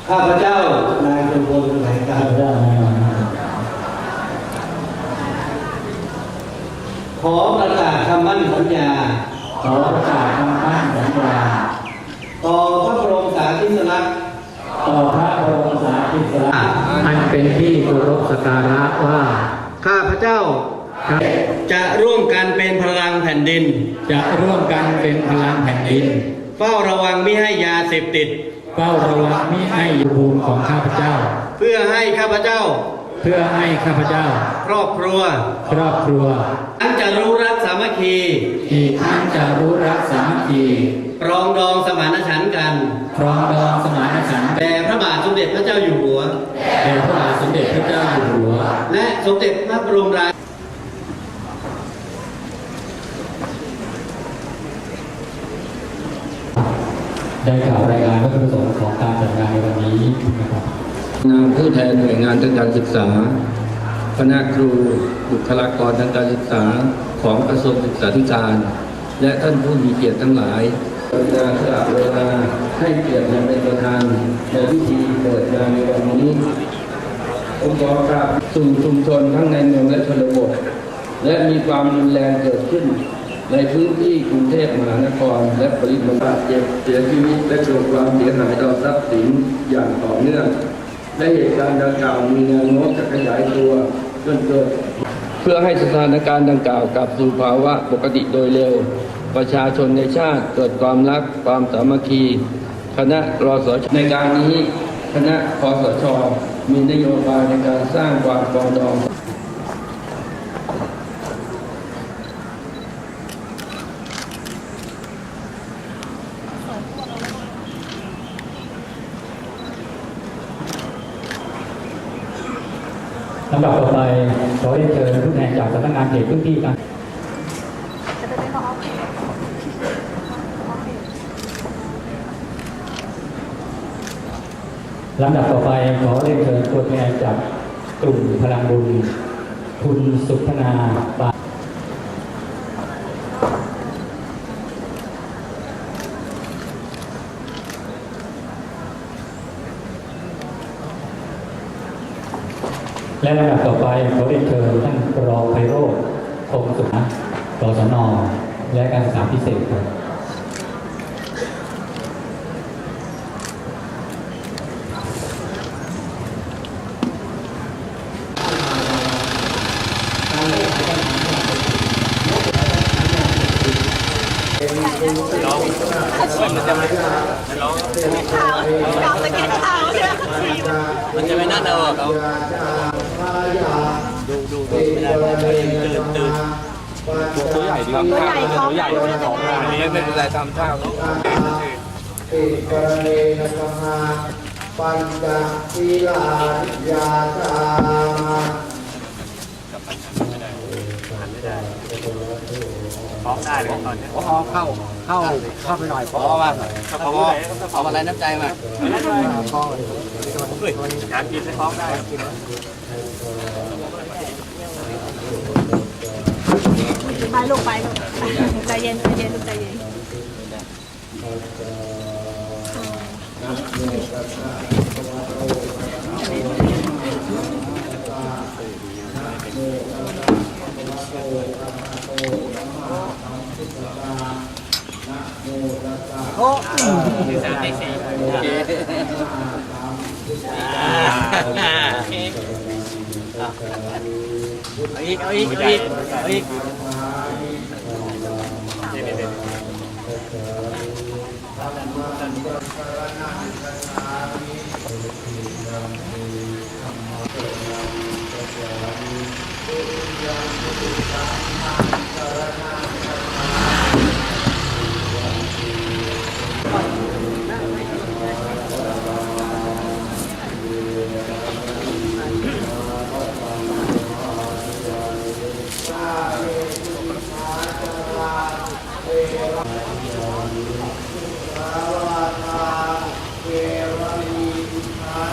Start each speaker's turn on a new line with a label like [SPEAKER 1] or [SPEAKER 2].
[SPEAKER 1] ข้าพเจ้านายจุมพลแสวงการขอประกาศคำมั่นสัญญาต่อพระบรมสารีริกธาตุ
[SPEAKER 2] อันเป็นที่เคารพสักการะว่า
[SPEAKER 1] ข้าพเจ้าจะร่วมกันเป็นพลังแผ่นดิน
[SPEAKER 2] เ
[SPEAKER 1] ฝ้าระวังไม่ให้ยาเสพติด
[SPEAKER 2] มิให้ภูมิของข้าพเจ้า
[SPEAKER 1] เพื่อให้ข้าพเจ้าครอบครัวทั้งจะรู้รักสามัคคีปรองดองสมานฉันท์กันแด่พระบาทสมเด็จพระเจ้าอยู่หัวและสมเด็จพระบรมราชินี
[SPEAKER 2] ได้กล่าวรายงานวัตถุประสงค์ของการจัดงานในวันนี้นะครับ
[SPEAKER 3] นามผู้แทนหน่วยงานทางการศึกษาคณะครูบุคลากรทางการศึกษาของกระทรวงศึกษาธิการและท่านผู้มีเกียรติทั้งหลายสละเวลาให้เกียรติมาเป็นประธานในพิธีเปิดงานในวันนี้องค์กรกับสู่ชุมชนทั้งในเมืองและชนบทและมีความรุนแรงเกิดขึ้นในพื้นที่กรุงเทพมหานครและปริมณฑลเจ็บเสียชีวิตและเกิดความเสียหายต่อทรัพย์สินอย่างต่อเนื่องและเหตุการณ์ดังกล่าวมีแนวโน้มจะขยายตัวจนเกิดเพื่อให้สถานการณ์ดังกล่าวกลับสู่ภาวะปกติโดยเร็วประชาชนในชาติเกิดความรักความสามัคคีคณะรสช.ในการนี้คณะคสช.มีนโยบายในการสร้างความปรองดอง
[SPEAKER 2] ลำดับต่อไปขอเรียนเชิญผู้แทนจากสำนักงานเขตพื้นที่การลำดับต่อไปขอเรียนเชิญตัวแทนจากกลุ่มพลังบุญคุณสุพนาบาและลำดับต่อไปขอเรียนเชิญท่านรองไพโรจน์คงสุขนะกศน.และการศึกษาพิเศษครับ
[SPEAKER 4] มันจะไม่น่าเดาเขาดูไม่ได้ตื่นตัวใหญ่ดีครับตัวใหญ่ของนี้ไม่เป็นไรทำท่า
[SPEAKER 1] ติกรณีนะมาปัญจศีลาญาจา
[SPEAKER 4] พร้อมได้เลยตอนนี้เข้าไปหน่อยพอมาเอาอะไรน้ำใจมาการกินให้พร้อมได้
[SPEAKER 5] ไปลูกใจเย็นลูกใจเย็น
[SPEAKER 4] โอ้3 4เอาอีก
[SPEAKER 1] เ